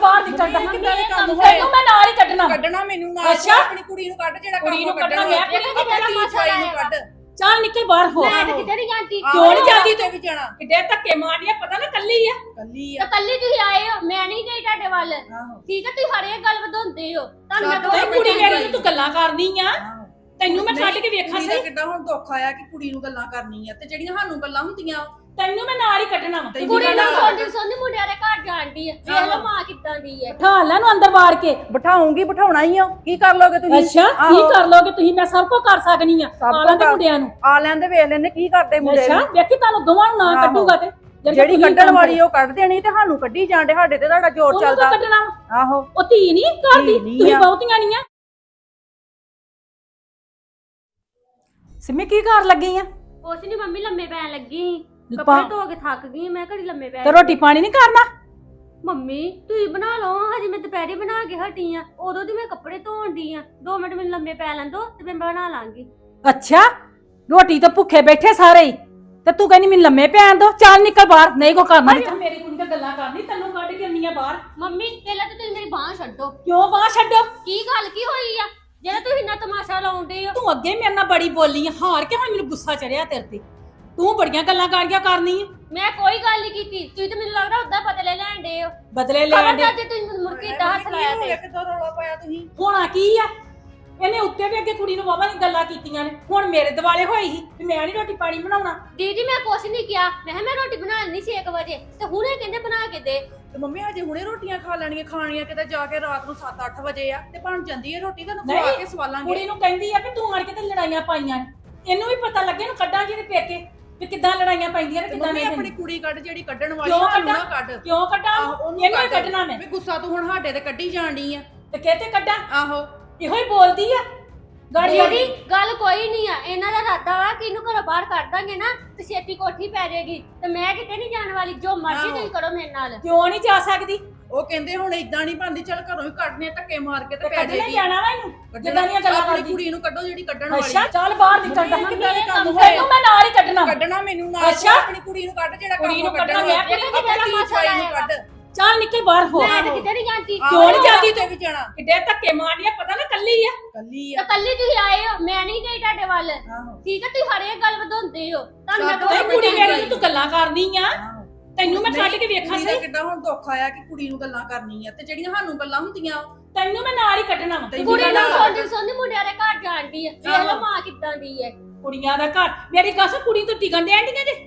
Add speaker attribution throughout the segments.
Speaker 1: ਬਾਹਰ ਨਿਕਲ ਜਾ ਤੈਨੂੰ ਮੈਂ ਨਾਲ ਹੀ ਕੱਢਣਾ
Speaker 2: ਮੈਨੂੰ ਨਾਲ ਆਪਣੀ ਕੁੜੀ ਨੂੰ ਕੱਢ ਜਿਹੜਾ
Speaker 1: ਕੁੜੀ ਨੂੰ
Speaker 2: ਕੱਢਣਾ
Speaker 1: ਮੈਂ
Speaker 2: ਆਪਣੀ ਜਵਾਈ ਨੂੰ ਕੱਢ
Speaker 1: ਚੱਲ ਨਿਕਲ ਬਾਹਰ ਹੋ
Speaker 3: ਮੈਂ ਤਾਂ ਕਿਤੇ ਨਹੀਂ ਜਾਂਦੀ
Speaker 1: ਕਿਉਂ ਨਹੀਂ ਜਾਂਦੀ
Speaker 2: ਤੇ ਵੀ ਜਾਣਾ
Speaker 1: ਕਿੱਡੇ ਧੱਕੇ ਮਾਰਨੀਆਂ ਪਤਾ ਨਾ ਕੱਲੀ ਆ
Speaker 3: ਤਾਂ ਕੱਲੀ ਤੁਸੀਂ ਆਏ ਹੋ ਮੈਂ ਨਹੀਂ ਗਈ ਤੁਹਾਡੇ ਵੱਲ ਠੀਕ ਹੈ ਤੁਸੀਂ ਹਰੇਕ ਗੱਲ ਵਧਾਉਂਦੇ ਹੋ ਤੁਹਾਨੂੰ ਮੈਂ
Speaker 1: ਤੂੰ ਕੁੜੀ ਮੇਰੀ ਨੂੰ ਤੂੰ ਗੱਲਾਂ ਕਰਨੀ ਆ ਤੈਨੂੰ ਮੈਂ ਕੱਢ ਕੇ ਵੇਖਾਂ
Speaker 2: ਸਹੀ ਕਿੱਦਾਂ ਹੁਣ ਦੁੱਖ ਆਇਆ ਕਿ ਕੁੜੀ ਨੂੰ ਗੱਲਾਂ ਕਰਨੀ ਆ ਤੇ ਜਿਹੜੀਆਂ ਸਾਨੂੰ ਗੱਲਾਂ ਹੁੰਦੀਆਂ
Speaker 1: ਤੈਨੂੰ ਮੈਂ ਨਾਲ ਹੀ ਕੱਢਣਾ ਵਾ
Speaker 3: ਕੁੜੀ ਨੂੰ ਸੋਨੀ ਮੁੰਡਿਆਂ ਦੇ ਘਰ ਜਾਂਦੀ ਹੈ ਵੇਖ ਲਓ ਮਾਂ ਕਿੱਦਾਂ ਦੀ ਹੈ
Speaker 1: ਬਿਠਾ ਲੈ ਨੂੰ ਅੰਦਰ ਵਾੜ ਕੇ
Speaker 4: ਬਿਠਾਉਂਗੀ ਬਿਠਾਉਣਾ ਹੀ ਆ ਕੀ ਕਰ ਲੋਗੇ ਤੁਸੀਂ
Speaker 1: ਅੱਛਾ ਕੀ ਕਰ ਲੋਗੇ ਤੁਸੀਂ ਮੈਂ ਸਭ ਕੁਝ ਕਰ ਸਕਨੀ ਆ ਆਲਾਂ ਦੇ ਮੁੰਡਿਆਂ ਨੂੰ
Speaker 4: ਆ ਲੈਂਦੇ ਵੇਖ ਲੈਂਦੇ ਕੀ ਕਰਦੇ ਮੁੰਡੇ
Speaker 1: ਅੱਛਾ ਵੇਖੀ ਤੁਹਾਨੂੰ ਦੋਵਾਂ ਨੂੰ ਨਾ ਕੱਢੂਗਾ ਤੇ
Speaker 4: ਜਿਹੜੀ ਕੱਢਣ ਵਾਲੀ ਉਹ ਕੱਢ ਦੇਣੀ ਤੇ ਸਾਨੂੰ ਕੱਢੀ ਜਾਂਦੇ ਸਾਡੇ ਤੇ ਤੁਹਾਡਾ ਜ਼ੋਰ ਚੱਲਦਾ
Speaker 1: ਕੱਢਣਾ
Speaker 4: ਆਹੋ
Speaker 1: ਉਹ ਧੀ ਨਹੀਂ ਕਰਦੀ ਤੁਸੀਂ ਬਹੁਤੀਆਂ ਨਹੀਂ ਆ ਸਿਮੀ ਕੀ ਕਰ ਲੱਗੀ ਆ
Speaker 3: ਕੁਛ ਨਹੀਂ ਮੰਮੀ ਲੰਮੇ ਪੈਣ ਲੱਗੀ ਕੱਪੜੇ ਧੋ ਕੇ ਥੱਕ ਗਈ ਮੈਂ ਘੜੀ ਲੰਮੇ ਪੈ
Speaker 1: ਤੇ ਰੋਟੀ ਪਾਣੀ ਨਹੀਂ ਕਰਨਾ
Speaker 3: ਮੰਮੀ ਤੁਸੀਂ ਬਣਾ ਲਓ ਹਜੇ ਮੈਂ ਦੁਪਹਿਰੇ ਬਣਾ ਕੇ ਹਟੀ ਆ ਉਦੋਂ ਦੀ ਮੈਂ ਕੱਪੜੇ ਧੋਣ ਦੀ ਆ 2 ਮਿੰਟ ਮੈਨੂੰ ਲੰਮੇ ਪੈ ਲੈਣ ਦੋ ਤੇ ਮੈਂ ਬਣਾ ਲਾਂਗੀ
Speaker 1: ਅੱਛਾ ਰੋਟੀ ਤਾਂ ਭੁੱਖੇ ਬੈਠੇ ਸਾਰੇ ਹੀ ਤੇ ਤੂੰ ਕਹਿੰਦੀ ਮੈਨੂੰ ਲੰਮੇ ਪੈਣ ਦੋ ਚੱਲ ਨਿਕਲ ਬਾਹਰ ਨਹੀਂ ਕੋ ਕਰਨਾ ਮੇਰੀ ਕੁੜੀ ਤਾਂ ਗੱਲਾਂ ਕਰਨੀ ਤੈਨੂੰ ਕੱਢ ਕੇ ਆਉਂਦੀ ਆ ਬਾਹਰ
Speaker 3: ਮੰਮੀ ਪਹਿਲਾਂ ਤਾਂ ਤੁਸੀਂ ਮੇਰੀ ਬਾਂਹ ਛੱਡੋ
Speaker 1: ਕਿਉਂ ਬਾਹਰ ਛੱਡੋ
Speaker 3: ਕੀ ਗੱਲ ਕੀ ਹੋਈ ਆ ਜਿਹੜਾ ਤੁਸੀਂ ਇੰਨਾ ਤਮਾਸ਼ਾ ਲਾਉਂਦੇ ਹੋ
Speaker 1: ਤੂੰ ਅੱਗੇ ਮੇਰੇ ਨਾਲ ਬੜੀ ਬੋਲੀ ਆ ਹਾਰ ਕੇ ਹੁਣ ਮੈਨੂੰ ਗੁੱਸਾ ਚੜਿਆ ਤੇਰੇ ਤੇ ਤੂੰ ਬੜੀਆਂ ਗੱਲਾਂ ਕਾਰੀਆਂ ਕਰਨੀ ਆ
Speaker 3: ਮੈਂ ਕੋਈ ਗੱਲ ਨਹੀਂ ਕੀਤੀ ਤੁਸੀਂ ਤਾਂ ਮੈਨੂੰ ਲੱਗਦਾ ਉਦਾਂ ਬਦਲੇ ਲੈਣ ਦੇ ਹੋ
Speaker 1: ਬਦਲੇ ਲੈਣ ਦੇ
Speaker 3: ਖਬਰਦਾਰ ਜੇ ਤੁਸੀਂ ਮੈਨੂੰ ਮੁਰਕੀ ਦਾ ਹੱਥ ਲਾਇਆ ਤੇ
Speaker 2: ਕਿੱਦਾਂ ਰੌਲਾ ਪਾਇਆ ਤੁਸੀਂ
Speaker 1: ਹੋਣਾ ਕੀ ਆ ਇਹਨੇ ਉੱਤੇ ਵੀ ਅੱਗੇ ਕੁੜੀ ਨੂੰ ਵਾਵਾ ਦੀਆਂ ਗੱਲਾਂ ਕੀਤੀਆਂ ਨੇ ਹੁਣ ਮੇਰੇ ਦਿਵਾਲੇ ਹੋਈ ਸੀ ਵੀ ਮੈਂ ਨਹੀਂ ਰੋਟੀ ਪਾਣੀ ਬਣਾਉਣਾ
Speaker 3: ਦੀਦੀ ਮੈਂ ਕੁਛ ਨਹੀਂ ਕਿਹਾ ਮੈਂ ਰੋਟੀ ਬਣਾ ਲੈਣੀ ਸੀ 1 ਵਜੇ ਤੇ ਹੁਣੇ ਕਹਿੰਦੇ ਬਣਾ ਕੇ ਦੇ
Speaker 2: ਤੇ ਮੰਮੀ ਹਜੇ ਹੁਣੇ ਰੋਟੀਆਂ ਖਾ ਲੈਣੀਆਂ ਖਾਣੀਆਂ ਕਿਤੇ ਜਾ ਕੇ ਰਾਤ ਨੂੰ 7-8 ਵਜੇ ਆ ਤੇ ਬਣ ਜਾਂਦੀ ਹੈ ਰੋਟੀ ਤੁਹਾਨੂੰ ਖਵਾ ਕੇ ਸਵਾਲਾਂਗੇ
Speaker 1: ਕੁੜੀ ਨੂੰ ਕਹਿੰਦੀ ਆ ਵੀ ਤੂੰ ਆਣ ਕੇ ਤੇ ਲੜਾਈਆਂ ਪਾਈਆਂ ਨੇ ਇਹਨੂੰ ਵੀ ਪਤਾ ਲੱਗੇ ਇਹਨੂੰ ਕੱਢਾਂਗੇ ਤੇ ਪੇਕੇ ਵੀ ਕਿੱਦਾਂ ਲੜਾਈਆਂ ਪੈਂਦੀਆਂ ਨੇ ਕਿੱਦਾਂ ਨਹੀਂ
Speaker 2: ਆਪਣੀ ਕੁੜੀ ਕੱਢ ਜਿਹੜੀ ਕੱਢਣ ਵਾਲੀ
Speaker 1: ਕਿਉਂ
Speaker 2: ਉਹਨੂੰ ਨਾ ਕੱਢ
Speaker 1: ਕਿਉਂ ਕੱਢਾਂ ਇਹਨੂੰ ਕੱਢਣਾ ਮੈਂ
Speaker 2: ਵੀ ਗੁੱਸਾ ਤੂੰ ਹੁਣ ਸਾਡੇ ਤੇ ਕੱਢੀ ਜਾਣੀ ਆ
Speaker 1: ਤੇ ਕਿਤੇ ਕੱਢਾਂ
Speaker 2: ਆਹੋ
Speaker 1: ਇਹੋ ਹੀ ਬੋਲਦੀ ਆ
Speaker 3: ਦੀਦੀ ਗੱਲ ਕੋਈ ਨਹੀਂ ਆ ਇਹਨਾਂ ਦਾ ਇਰਾਦਾ ਵਾ ਕਿ ਇਹਨੂੰ ਘਰੋਂ ਬਾਹਰ ਕੱਢ ਦਾਂਗੇ ਨਾ ਤੇ ਛੇਤੀ ਕੋਠੀ ਪੈ ਜਾਏਗੀ ਤੇ ਮੈਂ ਕਿਤੇ ਨਹੀਂ ਜਾਣ ਵਾਲੀ ਜੋ ਮਰਜ਼ੀ ਤੁਸੀਂ ਕਰੋ ਮੇਰੇ ਨਾਲ
Speaker 1: ਕਿਉਂ ਨਹੀਂ ਜਾ ਸਕਦੀ
Speaker 2: ਉਹ ਕਹਿੰਦੇ ਹੁਣ ਇਦਾਂ ਨਹੀਂ ਬਣਦੀ ਚੱਲ ਘਰੋਂ ਹੀ ਕੱਢਨੇ ਧੱਕੇ ਮਾਰ ਕੇ ਤੇ ਪੈ
Speaker 1: ਕੱਢਣੇ
Speaker 2: ਜਾਏਗੀ
Speaker 1: ਜਾਣਾ ਵਾ ਇਹਨੂੰ ਜਿੱਦਾਂ ਦੀਆਂ ਗੱਲਾਂ
Speaker 2: ਆਪਣੀ
Speaker 1: ਕਰਦੀ
Speaker 2: ਕੁੜੀ ਨੂੰ ਕੱਢੋ ਜਿਹੜੀ ਕੱਢਣ ਵਾਲੀ
Speaker 1: ਅੱਛਾ ਚੱਲ ਬਾਹਰ ਨਿਕਲ ਜਾ
Speaker 2: ਕਿੱਦਾਂ ਦੇ ਕੰਮ
Speaker 1: ਤੈਨੂੰ ਮੈਂ ਨਾਲ ਹੀ
Speaker 2: ਕੱਢਣਾ ਮੈਨੂੰ ਨਾਲ ਆਪਣੀ ਕੁੜੀ ਨੂੰ ਕੱਢ ਜਿਹੜਾ
Speaker 1: ਕੁੜੀ ਨੂੰ
Speaker 2: ਕੱਢਣਾ
Speaker 1: ਮੈਂ
Speaker 2: ਆਪਣੀ ਜਵਾਈ ਨੂੰ ਕੱਢ
Speaker 1: ਚੱਲ ਨਿਕਲ ਬਾਹਰ ਹੋ
Speaker 3: ਮੈਂ ਤਾਂ ਕਿਤੇ ਨਹੀਂ ਜਾਂਦੀ
Speaker 1: ਕਿਉਂ ਨਹੀਂ ਜਾਂਦੀ
Speaker 2: ਤੇ ਵੀ ਜਾਣਾ
Speaker 1: ਕਿੱਡੇ ਧੱਕੇ ਮਾਰਨੀਆਂ ਪਤਾ ਨਾ ਕੱਲੀ ਆ
Speaker 2: ਕੱਲੀ
Speaker 3: ਤਾਂ ਕੱਲੀ ਤੁਸੀਂ ਆਏ ਹੋ ਮੈਂ ਨਹੀਂ ਗਈ ਤੁਹਾਡੇ ਵੱਲ ਠੀਕ ਹੈ ਤੁਸੀਂ ਹਰੇਕ ਗੱਲ ਵਧਾਉਂਦੇ ਹੋ ਤੁਹਾਨੂੰ ਮੈਂ
Speaker 1: ਤੂੰ ਕੁੜੀ ਮੇਰੀ ਨੂੰ ਤੂੰ ਗੱਲਾਂ ਕਰਨੀ ਆ ਤੈਨੂੰ ਮੈਂ ਕੱਢ ਕੇ ਵੇਖਾਂ ਸਹੀ
Speaker 2: ਕਿੱਦਾਂ ਹੁਣ ਦੁੱਖ ਆਇਆ ਕਿ ਕੁੜੀ ਨੂੰ ਗੱਲਾਂ ਕਰਨੀ ਆ ਤੇ ਜਿਹੜੀਆਂ ਸਾਨੂੰ ਗੱਲਾਂ ਹੁੰਦੀਆਂ
Speaker 1: ਤੈਨੂੰ ਮੈਂ ਨਾਲ ਹੀ ਕੱਢਣਾ ਵਾ
Speaker 3: ਕੁੜੀ ਨੂੰ ਸੋਨੀ ਮੁੰਡਿਆਂ ਦੇ ਘਰ ਜਾਂਦੀ ਹੈ ਵੇਖ ਲਓ ਮਾਂ ਕਿੱਦਾਂ ਦੀ ਹੈ
Speaker 1: ਕੁੜੀਆਂ ਦਾ ਘਰ ਮੇਰੀ ਗੱਲ ਕੁੜੀ ਤੋਂ ਟਿਕਣ ਦੇ ਆਂਡੀਆਂ ਜੇ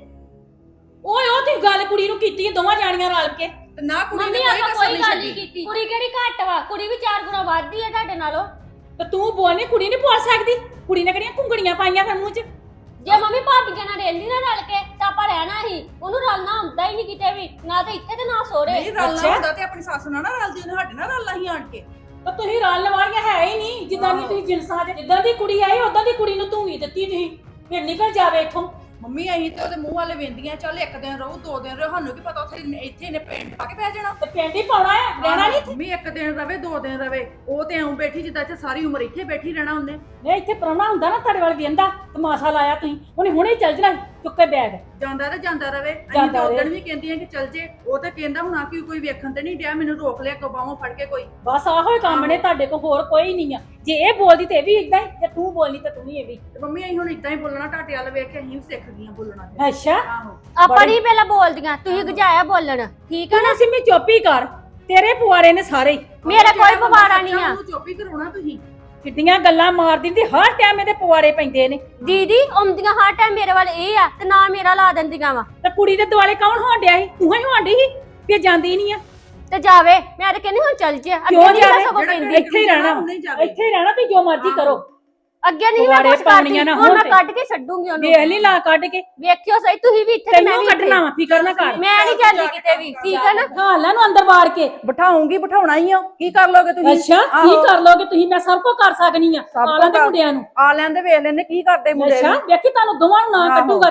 Speaker 1: ਓਏ ਉਹ ਤੇ ਗੱਲ ਕੁੜੀ ਨੂੰ ਕੀਤੀ ਦੋਵਾਂ ਜਾਣੀਆਂ ਰਲ ਕੇ
Speaker 2: ਤੇ ਨਾ ਕੁੜੀ
Speaker 3: ਮੰਮੀ
Speaker 2: ਨੇ
Speaker 3: ਆਪਾਂ
Speaker 2: ਕੋਈ
Speaker 3: ਕੋਈ ਗੱਲ ਨਹੀਂ ਕੀਤੀ ਕੁੜੀ ਕਿਹੜੀ ਘੱਟ ਵਾ ਕੁੜੀ ਵੀ 4 ਗੁਣਾ ਵੱਧਦੀ ਹੈ ਤੁਹਾਡੇ ਨਾਲੋਂ
Speaker 1: ਤੇ ਤੂੰ ਬੋਲਨੇ ਕੁੜੀ ਨਹੀਂ ਬੋਲ ਸਕਦੀ ਕੁੜੀ ਨੇ ਕਿਹੜੀਆਂ ਘੁੰਗੜੀਆਂ ਪਾਈਆਂ ਫਿਰ ਮੂੰਹ 'ਚ
Speaker 3: ਜੇ ਮੰਮੀ ਭਾਬੀਆਂ ਨਾਲ ਰਹਿੰਦੀ ਨਾ ਰਲ ਕੇ ਤਾਂ ਆਪਾਂ ਰਹਿਣਾ ਹੀ ਉਹਨੂੰ ਰਲਣਾ ਹੁੰਦਾ ਹੀ ਨਹੀਂ ਕਿਤੇ ਵੀ ਨਾ ਤਾਂ ਇੱਥੇ ਤੇ ਨਾ ਸੋਰੇ
Speaker 2: ਨਹੀਂ ਰਲਣਾ ਹੁੰਦਾ ਤੇ ਆਪਣੀ ਸੱਸ ਨਾਲ ਨਾ ਰਲਦੀ ਉਹਨੇ ਸਾਡੇ ਨਾਲ ਰਲਣਾ ਹੀ ਆਣ ਕੇ
Speaker 1: ਤਾਂ ਤੁਸੀਂ ਰਲਣ ਵਾਲੀਆਂ ਹੈ ਹੀ ਨਹੀਂ ਜਿੱਦਾਂ ਦੀ ਤੁਸੀਂ ਜਿੰਸਾਂ 'ਚ ਜਿੱਦਾਂ ਦੀ ਕੁੜੀ ਆਈ ਉਦਾਂ ਦੀ ਕੁੜੀ ਨੂੰ ਧੂਈ ਦਿੱਤੀ ਤੁਸੀਂ ਫਿਰ ਨਿਕਲ ਜਾਵੇ ਇੱਥੋਂ
Speaker 2: ਮੰਮੀ ਅਸੀਂ ਤੇ ਉਹਦੇ ਮੂੰਹ ਵਾਲੇ ਵੇਂਦੀਆਂ ਚੱਲ 1 ਦਿਨ ਰਹੂ 2 ਦਿਨ ਰਹੂ ਸਾਨੂੰ ਕੀ ਪਤਾ ਉੱਥੇ ਇੱਥੇ ਨੇ ਪਿੰਡ ਪਾ ਕੇ ਬਹਿ ਜਾਣਾ
Speaker 1: ਤੇ ਪਿੰਡ ਹੀ ਪਾਉਣਾ ਹੈ ਰਹਿਣਾ ਨਹੀਂ
Speaker 2: ਮੰਮੀ 1 ਦਿਨ ਰਵੇ 2 ਦਿਨ ਰਵੇ ਉਹ ਤੇ ਐਉਂ ਬੈਠੀ ਜਿੱਦਾਂ ਇੱਥੇ ਸਾਰੀ ਉਮਰ ਇੱਥੇ ਬੈਠੀ ਰਹਿਣਾ ਉਹਨੇ
Speaker 1: ਨਹੀਂ ਇੱਥੇ ਪ੍ਰਾਹੁਣਾ ਹੁੰਦਾ ਨਾ ਤੁਹਾਡੇ ਵੱਲ ਵੇਂਦਾ ਤਮਾਸ਼ਾ ਲਾਇਆ ਤੁਸੀਂ ਉਹਨੇ ਹੁਣੇ ਚੱਲ ਜਾਣਾ ਚੁੱਕੇ ਬੈਗ
Speaker 2: ਜਾਂਦਾ ਤੇ ਜਾਂਦਾ ਰਵੇ ਅਸੀਂ ਤਾਂ ਉਦੋਂ ਵੀ ਕਹਿੰਦੀਆਂ ਕਿ ਚੱਲ ਜੇ ਉਹ ਤਾਂ ਕਹਿੰਦਾ ਹੁਣ ਆ ਕੋਈ ਵੇਖਣ ਤੇ ਨਹੀਂ ਡਿਆ ਮੈਨੂੰ ਰੋਕ ਲਿਆ ਕਬਾਹੋਂ ਫੜ ਕੇ ਕੋਈ
Speaker 1: ਬਸ ਆਹੋ ਹੀ ਕੰਮ ਨੇ ਤੁਹਾਡੇ ਕੋਲ ਹੋਰ ਕੋਈ ਨਹੀਂ ਆ ਜੇ ਇਹ ਬੋਲਦੀ ਤੇ ਇਹ ਵੀ ਇਦਾਂ ਹੀ ਜੇ ਤੂੰ ਬੋਲਨੀ ਤਾਂ ਤੂੰ ਵੀ ਇਹ ਵੀ
Speaker 2: ਤੇ ਮੰਮੀ ਅਸੀਂ ਹੁਣ ਇਦਾਂ ਹੀ ਬੋਲਣਾ ਟਾਟੇ ਵਾਲ ਵੇਖ ਕੇ ਅਸੀਂ ਵੀ ਸਿੱਖ ਗਈਆਂ ਬੋਲਣਾ
Speaker 1: ਅੱਛਾ
Speaker 2: ਆਹੋ
Speaker 3: ਆਪਾਂ ਨਹੀਂ ਪਹਿਲਾਂ ਬੋਲਦੀਆਂ ਤੁਸੀਂ ਗਜਾਇਆ ਬੋਲਣ ਠੀਕ ਹੈ ਨਾ
Speaker 1: ਸਿੰਮੀ ਚੁੱਪ ਹੀ ਕਰ ਤੇਰੇ ਪੁਆਰੇ ਨੇ ਸਾਰੇ
Speaker 3: ਮੇਰਾ ਕੋਈ ਪਵਾੜਾ ਨਹੀਂ ਆ
Speaker 2: ਉਹਨੂੰ ਚੁੱਪ ਹੀ ਕਰਾਉਣਾ ਤੁਸੀਂ
Speaker 1: ਕਿੱਡੀਆਂ ਗੱਲਾਂ ਮਾਰਦੀ ਦੀ ਹਰ ਟਾਈਮ ਇਹਦੇ ਪੁਆਰੇ ਪੈਂਦੇ ਨੇ
Speaker 3: ਦੀਦੀ ਆਉਂਦੀਆਂ ਹਰ ਟਾਈਮ ਮੇਰੇ ਵੱਲ ਇਹ ਆ ਤੇ ਨਾ ਮੇਰਾ ਲਾ ਦਿੰਦੀਆਂ ਵਾ
Speaker 1: ਤੇ ਕੁੜੀ ਦੇ ਦੁਆਲੇ ਕੌਣ ਹੋਣ ਡਿਆ ਸੀ ਤੂੰ ਹੀ ਹੋਣ ਡਈ ਸੀ ਵੀ ਇਹ ਜਾਂਦੀ ਨਹੀਂ ਆ
Speaker 3: ਤੇ ਜਾਵੇ ਮੈਂ ਤਾਂ ਕਹਿੰਦੀ ਹੁਣ ਚੱਲ ਜੇ ਅੱਗੇ
Speaker 1: ਕਿਉਂ
Speaker 3: ਨਹੀਂ
Speaker 1: ਜਾਵੇ?
Speaker 3: ਸਗੋਂ ਕਹਿੰਦੀ
Speaker 1: ਇੱਥੇ ਹੀ ਰਹਿਣਾ ਇੱਥੇ ਹੀ ਰਹਿਣਾ ਤੁਸੀਂ ਜੋ ਮਰਜ਼ੀ ਕਰੋ
Speaker 3: ਅੱਗੇ ਨਹੀਂ ਮੈਂ ਕੁਝ ਕਰਦੀ ਹੁਣ ਮੈਂ ਕੱਢ ਕੇ ਛੱਡੂਗੀ ਉਹਨੂੰ
Speaker 1: ਵੇਖ ਲਈ ਲਾ ਕੱਢ ਕੇ
Speaker 3: ਵੇਖਿਓ ਸਹੀ ਤੁਸੀਂ ਵੀ ਇੱਥੇ ਤੇ ਮੈਂ
Speaker 1: ਤੈਨੂੰ
Speaker 3: ਵੀ
Speaker 1: ਕੱਢਣਾ ਵਾ ਫਿਕਰ ਨਾ ਕਰ
Speaker 3: ਮੈਂ ਨਹੀਂ ਜਾਂਦੀ ਕਿਤੇ ਵੀ ਠੀਕ ਹੈ ਨਾ
Speaker 1: ਹਾਲਾਂ ਨੂੰ ਅੰਦਰ ਵਾੜ ਕੇ
Speaker 4: ਬਿਠਾਉਂਗੀ ਬਿਠਾਉਣਾ ਹੀ ਆ ਕੀ ਕਰ ਲੋਗੇ ਤੁਸੀਂ
Speaker 1: ਅੱਛਾ ਕੀ ਕਰ ਲੋਗੇ ਤੁਸੀਂ ਮੈਂ ਸਭ ਕੁਝ ਕਰ ਸਕਨੀ ਆ ਆਲਾਂ ਦੇ ਮੁੰਡਿਆਂ ਨੂੰ
Speaker 4: ਆ ਲੈਂਦੇ ਵੇਖ ਲੈਂਦੇ ਕੀ ਕਰਦੇ ਮੁੰਡੇ
Speaker 1: ਅੱਛਾ ਵੇਖੀ ਤੁਹਾਨੂੰ ਦੋਵਾਂ ਨੂੰ ਨਾ ਕੱਢੂਗਾ ਤੇ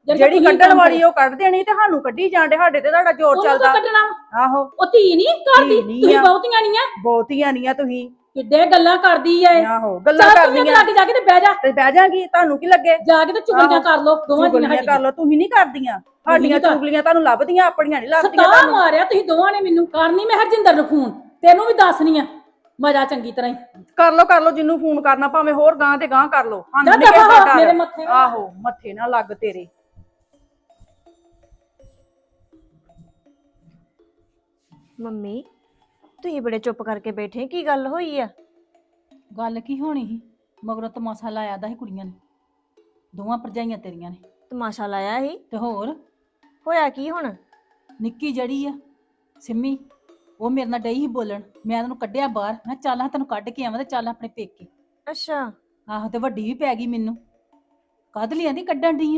Speaker 4: ਜਿਹੜੀ ਕੱਢਣ ਵਾਲੀ ਉਹ ਕੱਢ ਦੇਣੀ ਤੇ ਸਾਨੂੰ ਕੱਢੀ ਜਾਂਦੇ, ਸਾਡੇ ਤੇ ਤੁਹਾਡਾ ਜ਼ੋਰ
Speaker 1: ਉਹਨੂੰ
Speaker 4: ਚੱਲਦਾ।
Speaker 1: ਤਾਂ ਕੱਢਣਾ ਵਾ।
Speaker 4: ਆਹੋ
Speaker 1: ਉਹ ਧੀ ਨਹੀਂ ਕਰਦੀ,
Speaker 4: ਧੀ ਨੀ
Speaker 1: ਤੁਸੀਂ
Speaker 4: ਆ।
Speaker 1: ਬਹੁਤੀਆਂ ਨਹੀਂ ਆ,
Speaker 4: ਬਹੁਤੀਆਂ ਨਹੀਂ ਆ ਤੁਸੀਂ।
Speaker 1: ਕਿੱਡੇ ਗੱਲਾਂ ਕਰਦੀ ਐ।
Speaker 4: ਆਹੋ ਗੱਲਾਂ
Speaker 1: ਚੱਲ ਤੂੰ
Speaker 4: ਕਰਨੀਆਂ
Speaker 1: ਲੱਗ ਜਾ ਕੇ ਤੇ ਬਹਿ ਜਾ,
Speaker 4: ਤੇ ਬਹਿ ਜਾਗੀ, ਤੁਹਾਨੂੰ ਕੀ ਲੱਗੇ?
Speaker 1: ਜਾ ਕੇ ਤੇ ਚੁਗਲੀਆਂ ਕਰ ਲੋ ਦੋਵਾਂ
Speaker 4: ਚੁਗਲੀਆਂ
Speaker 1: ਜੀਆਂ
Speaker 4: ਕਰ ਲੋ, ਤੁਸੀਂ ਨਹੀਂ ਕਰਦੀਆਂ। ਸਾਡੀਆਂ
Speaker 1: ਕਰ-
Speaker 4: ਚੁਗਲੀਆਂ ਤੁਹਾਨੂੰ ਲੱਭਦੀਆਂ, ਆਪਣੀਆਂ ਨਹੀਂ ਲੱਭਦੀਆਂ
Speaker 1: ਸਤਾ
Speaker 4: ਤੁਹਾਨੂੰ।
Speaker 1: ਮਾਰਿਆ ਤੁਸੀਂ ਦੋਵਾਂ ਨੇ ਮੈਨੂੰ। ਕਰਨੀ ਮੈਂ ਹਰਜਿੰਦਰ ਨੂੰ ਫੋਨ, ਤੈਨੂੰ ਵੀ ਦੱਸਣੀ ਆ ਮਜ਼ਾ ਚੰਗੀ ਤਰ੍ਹਾਂ ਹੀ।
Speaker 4: ਕਰ ਲੋ ਜਿੰਨੂੰ ਫੋਨ ਕਰਨਾ, ਭਾਵੇਂ ਹੋਰ ਗਾਂ ਤੇ ਗਾਂ ਕਰ ਲੋ।
Speaker 1: ਜਾ ਦਫ਼ਾ ਮੇਰੇ ਮੱਥੇ ਨਾਲ।
Speaker 4: ਆਹੋ ਮੱਥੇ ਨਾ ਲੱਗ ਤੇਰੇ।
Speaker 5: ਮੰਮੀ ਤੁਸੀਂ ਬੜੇ ਚੁੱਪ ਕਰਕੇ ਬੈਠੇ, ਕੀ ਗੱਲ ਹੋਈ ਆ?
Speaker 1: ਗੱਲ ਕੀ ਹੋਣੀ ਸੀ, ਮਗਰੋਂ ਤਮਾਸ਼ਾ ਲਾਇਆ ਦਾ ਸੀ ਕੁੜੀਆਂ ਨੇ, ਦੋਵਾਂ ਭਰਜਾਈਆਂ ਤੇਰੀਆਂ ਨੇ।
Speaker 5: ਤਮਾਸ਼ਾ ਲਾਇਆ ਸੀ?
Speaker 1: ਤੇ ਹੋਰ
Speaker 5: ਹੋਇਆ ਕੀ ਹੁਣ?
Speaker 1: ਨਿੱਕੀ ਜਿਹੜੀ ਆ ਸਿੰਮੀ, ਉਹ ਮੇਰੇ ਨਾਲ ਡਈ ਸੀ ਬੋਲਣ। ਮੈਂ ਤੈਨੂੰ ਕੱਢਿਆ ਬਾਹਰ, ਮੈਂ ਚੱਲ ਹਾਂ ਤੈਨੂੰ ਕੱਢ ਕੇ ਆਵਾਂ ਤੇ ਚੱਲ ਆਪਣੇ ਪੇਕੇ।
Speaker 5: ਅੱਛਾ।
Speaker 1: ਆਹੋ ਤੇ ਵੱਡੀ ਵੀ ਪੈ ਗਈ ਮੈਨੂੰ, ਕਦ ਲਈ ਆਂਦੀ ਕੱਢਣ ਡਈ ਆ।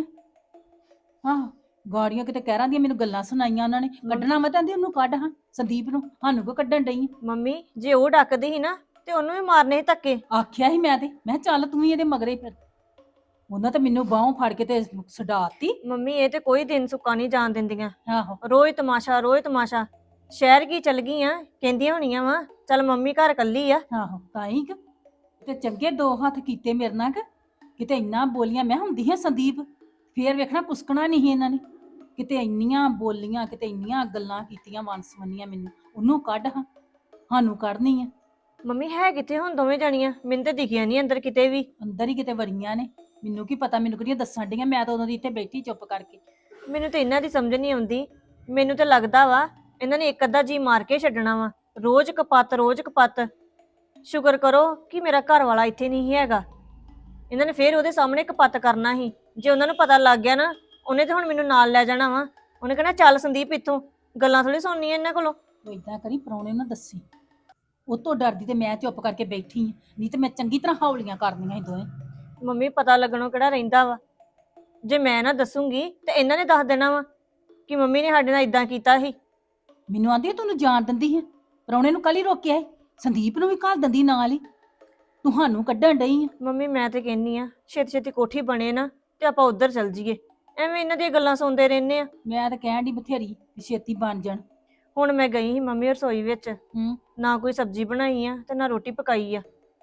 Speaker 1: ਆਹੋ ਗਾੜੀਆਂ ਕਿਤੇ ਕਹਿਰਾਂ ਦੀਆਂ ਮੈਨੂੰ ਗੱਲਾਂ ਸੁਣਾਈਆਂ ਉਹਨਾਂ ਨੇ, ਕੱਢਣਾ ਮੈਂ ਤਾਂ ਆਂਦੀ ਉਹਨੂੰ ਕੱਢ ਹਾਂ ਸੰਦੀਪ ਨੂੰ, ਸਾਨੂੰ ਕੋ ਕੱਢਣ ਡਈ ਆ।
Speaker 5: ਮੰਮੀ ਜੇ ਉਹ ਡੱਕਦੀ ਸੀ ਨਾ ਤੇ ਉਹਨੂੰ ਵੀ ਮਾਰਨੇ ਸੀ ਧੱਕੇ।
Speaker 1: ਆਖਿਆ ਸੀ ਮੈਂ ਤੇ, ਮੈਂ ਕਿਹਾ ਚੱਲ ਤੂੰ ਵੀ ਇਹਦੇ ਮਗਰੇ ਫਿਰ। ਉਹਨਾਂ ਤਾਂ ਮੈਨੂੰ ਬਾਹੋਂ ਫੜ ਕੇ ਤੇ ਛਡਾਤੀ।
Speaker 5: ਮੰਮੀ ਇਹ ਤੇ ਕੋਈ ਦਿਨ ਸੁੱਕਾ ਨਹੀਂ ਜਾਣ ਦਿੰਦੀਆਂ,
Speaker 1: ਆਹੋ
Speaker 5: ਰੋਜ਼ ਤਮਾਸ਼ਾ ਰੋਜ਼ ਤਮਾਸ਼ਾ। ਸ਼ਹਿਰ ਕੀ ਚਲ ਗਈਆਂ, ਕਹਿੰਦੀਆਂ ਹੋਣੀਆਂ ਵਾ ਚੱਲ ਮੰਮੀ ਘਰ ਕੱਲੀ ਆ।
Speaker 1: ਆਹੋ ਤਾਂ ਹੀ ਤੇ ਚੰਗੇ ਦੋ ਹੱਥ ਕੀਤੇ ਮੇਰੇ ਨਾਲ ਕਿ ਕਿਤੇ ਇੰਨਾ ਬੋਲੀਆਂ। ਮੈਂ ਹੁੰਦੀ ਹਾਂ ਸੰਦੀਪ, ਫੇਰ ਵੇਖਣਾ ਕੁਸਕਣਾ ਨਹੀਂ ਸੀ ਇਹਨਾਂ ਨੇ। ਕਿਤੇ ਇੰਨੀਆਂ ਬੋਲੀਆਂ, ਕਿਤੇ ਇੰਨੀਆਂ ਗੱਲਾਂ ਕੀਤੀਆਂ ਵੰਸਵੰਨੀਆਂ ਮੈਨੂੰ। ਉਹਨੂੰ ਕੱਢ ਹਾਂ, ਸਾਨੂੰ ਕੱਢਣੀ ਆ।
Speaker 5: ਮੰਮੀ ਹੈ ਕਿੱਥੇ ਹੁਣ ਦੋਵੇਂ ਜਾਣੀਆਂ? ਮੈਨੂੰ ਤੇ ਦਿਖੀਆਂ ਨਹੀਂ ਅੰਦਰ ਕਿਤੇ ਵੀ।
Speaker 1: ਅੰਦਰ ਹੀ ਕਿਤੇ ਵੜੀਆਂ ਨੇ, ਮੈਨੂੰ ਕੀ ਪਤਾ, ਮੈਨੂੰ ਕਿਹੜੀਆਂ ਦੱਸਣ ਡੀਆਂ। ਮੈਂ ਤਾਂ ਉਦੋਂ ਦੀ ਇੱਥੇ ਬੈਠੀ ਚੁੱਪ ਕਰਕੇ।
Speaker 5: ਮੈਨੂੰ ਤੇ ਇਹਨਾਂ ਦੀ ਸਮਝ ਨਹੀਂ ਆਉਂਦੀ। ਮੈਨੂੰ ਤੇ ਲੱਗਦਾ ਵਾ ਇਹਨਾਂ ਨੇ ਇੱਕ ਅੱਧਾ ਜੀ ਮਾਰ ਕੇ ਛੱਡਣਾ ਵਾ। ਰੋਜ਼ ਕਪੱਤ ਰੋਜ਼ ਕਪੱਤ। ਸ਼ੁਕਰ ਕਰੋ ਕਿ ਮੇਰਾ ਘਰ ਵਾਲਾ ਇੱਥੇ ਨਹੀਂ ਹੈਗਾ, ਇਹਨਾਂ ਨੇ ਫੇਰ ਉਹਦੇ ਸਾਹਮਣੇ ਕਪੱਤ ਕਰਨਾ ਸੀ। ਜੇ ਉਹਨਾਂ ਨੂੰ ਪਤਾ ਲੱਗ ਗਿਆ ਨਾ, ਉਹਨੇ ਤੇ ਹੁਣ ਮੈਨੂੰ ਨਾਲ ਲੈ ਜਾਣਾ ਵਾ। ਉਹਨੇ ਕਹਿਣਾ ਚੱਲ ਸੰਦੀਪ ਇੱਥੋਂ, ਗੱਲਾਂ ਥੋੜੀ ਸੁਣਨੀਆਂ ਇਹਨਾਂ ਕੋਲੋਂ।
Speaker 1: ਤੂੰ ਏਦਾਂ ਕਰੀ, ਪ੍ਰਾਹੁਣੇ ਨੂੰ ਦੱਸੀ। ਉਹ ਤੋਂ ਡਰਦੀ ਤੇ ਮੈਂ ਚੁੱਪ ਕਰਕੇ ਬੈਠੀ ਆ, ਨਹੀਂ ਤੇ ਮੈਂ ਚੰਗੀ ਤਰ੍ਹਾਂ ਹੌਲੀਆਂ ਕਰਨੀਆਂ ਸੀ ਦੋਵੇਂ।
Speaker 5: ਮੰਮੀ ਪਤਾ ਲੱਗਣੋਂ ਕਿਹੜਾ ਰਹਿੰਦਾ ਵਾ? ਜੇ ਮੈਂ ਨਾ ਦੱਸੂਗੀ ਤੇ ਇਹਨਾਂ ਨੇ ਦੱਸ ਦੇਣਾ ਵਾ ਕਿ ਮੰਮੀ ਨੇ ਸਾਡੇ ਨਾਲ ਇਦਾਂ ਕੀਤਾ ਸੀ।
Speaker 1: ਮੈਨੂੰ ਆਂਦੀ ਤੈਨੂੰ ਜਾਣ ਦਿੰਦੀ ਹੈ, ਪ੍ਰਾਹੁਣੇ ਨੂੰ ਕੱਲ ਹੀ ਰੋਕਿਆ ਸੀ, ਸੰਦੀਪ ਨੂੰ ਵੀ ਘੱਲ ਦਿੰਦੀ ਨਾਲ ਹੀ। ਤੁਹਾਨੂੰ ਕੱਢਣ ਡਈ ਆ।
Speaker 5: ਮੰਮੀ ਮੈਂ ਤੇ ਕਹਿੰਨੀ ਆ ਛੇਤੀ ਛੇਤੀ ਕੋਠੀ ਬਣੇ ਨਾ ਤੇ ਆਪਾਂ ਉੱਧਰ ਚੱਲ ਜੀਏ, ਐਵੇਂ ਇਹਨਾਂ ਦੀਆਂ ਗੱਲਾਂ ਸੁਣਦੇ ਰਹਿੰਦੇ ਆ।
Speaker 1: ਮੈਂ ਤਾਂ ਕਹਿਣ ਦੀ ਬਥੇਰੀ ਵੀ ਛੇਤੀ ਬਣ ਜਾਣ।
Speaker 5: ਹੁਣ ਮੈਂ ਗਈ ਸੀ ਮੰਮੀ ਰਸੋਈ ਵਿੱਚ,
Speaker 1: ਹੂੰ
Speaker 5: ਨਾ ਕੋਈ ਸਬਜ਼ੀ ਬਣਾਈ ਆ ਤੇ ਨਾ ਰੋਟੀ ਪਕਾਈ ਆ।